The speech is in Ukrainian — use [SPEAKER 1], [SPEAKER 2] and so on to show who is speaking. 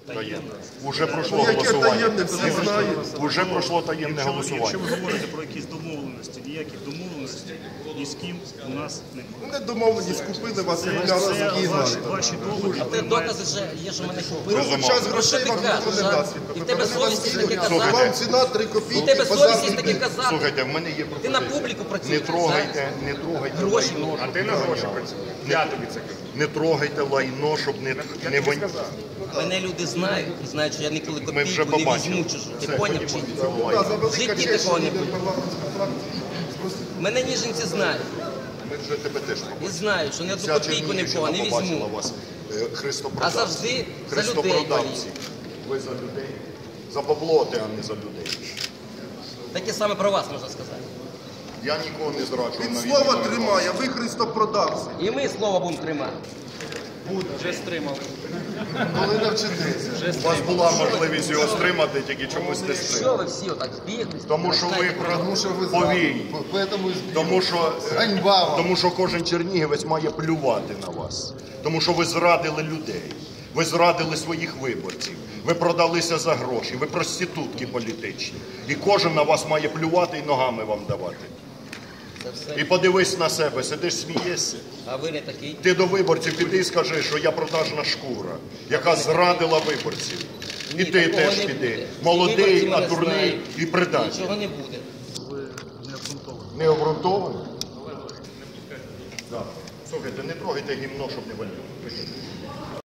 [SPEAKER 1] Таємне. Уже пройшло голосування. Уже пройшло таємне голосування.
[SPEAKER 2] Якщо ви говорите про якісь домовленості, ніяких домовленостей ні з ким у нас немає.
[SPEAKER 3] Не домовленість, купили вас і
[SPEAKER 2] Це ваші доводи.
[SPEAKER 4] Ти докази вже є, що мене купили.
[SPEAKER 3] Ну, час грошей вам ніхто не дасть.
[SPEAKER 4] І в тебе совість є таке казати.
[SPEAKER 3] Вам ціна 3 копійки.
[SPEAKER 4] У тебе совість є таке казати.
[SPEAKER 1] Слухайте, в мене є
[SPEAKER 4] Ти на
[SPEAKER 1] пропозиція.
[SPEAKER 4] публіку працюєш.
[SPEAKER 1] Не трогайте
[SPEAKER 4] Гроші
[SPEAKER 1] лайно,
[SPEAKER 4] мені.
[SPEAKER 1] щоб не воняlo. Я тобі це кажу. Не трогайте лайно, щоб не воняlo.
[SPEAKER 4] Мене люди знають і знають, що я ніколи
[SPEAKER 1] Ми вже
[SPEAKER 4] копійку не
[SPEAKER 1] побачили.
[SPEAKER 4] візьму чужу. Ти
[SPEAKER 1] Це
[SPEAKER 4] поняв чи ні? В житті такого не буде. Мене ніженці знають.
[SPEAKER 1] Ми вже тебе теж
[SPEAKER 4] І
[SPEAKER 1] побачили.
[SPEAKER 4] знають, що ні одну
[SPEAKER 1] Вся
[SPEAKER 4] копійку ні в кого не
[SPEAKER 1] Чернігівщина побачила
[SPEAKER 4] візьму.
[SPEAKER 1] вас.
[SPEAKER 4] А
[SPEAKER 1] Христопродавці.
[SPEAKER 4] завжди за людей
[SPEAKER 1] Христопродавці.
[SPEAKER 4] болію.
[SPEAKER 1] Ви за людей. За баблоти, а не за людей.
[SPEAKER 4] Таке саме про вас можна сказати.
[SPEAKER 1] Я нікого не зраджую.
[SPEAKER 3] Він
[SPEAKER 1] навіть
[SPEAKER 3] слово
[SPEAKER 1] не
[SPEAKER 3] тримає, ви христопродавці.
[SPEAKER 4] І ми слово будемо тримати.
[SPEAKER 3] Коли навчитеся.
[SPEAKER 1] У вас була можливість його стримати, тільки чомусь не
[SPEAKER 4] Що
[SPEAKER 1] стримали.
[SPEAKER 4] ви всі отак збіглись?
[SPEAKER 1] Тому що ви повій. Тому що кожен чернігівець має плювати на вас. Тому що ви зрадили людей. Ви зрадили своїх виборців. Ви продалися за гроші. Ви проститутки політичні. І кожен на вас має плювати і ногами вам давати. І подивись на себе, сидиш, смієшся.
[SPEAKER 4] А ви не такий.
[SPEAKER 1] Ти до виборців піди і скажи, що я продажна шкура, яка зрадила виборців. І ти
[SPEAKER 4] такого
[SPEAKER 1] теж
[SPEAKER 4] не
[SPEAKER 1] піди.
[SPEAKER 4] буде.
[SPEAKER 1] Молодий,
[SPEAKER 4] Виборці
[SPEAKER 1] а
[SPEAKER 4] мене
[SPEAKER 1] дурний
[SPEAKER 4] знають.
[SPEAKER 1] і предатель.
[SPEAKER 4] Нічого не буде.
[SPEAKER 1] Не обґрунтовано? Так. Слухайте, не трогайте гімно, щоб не валяло.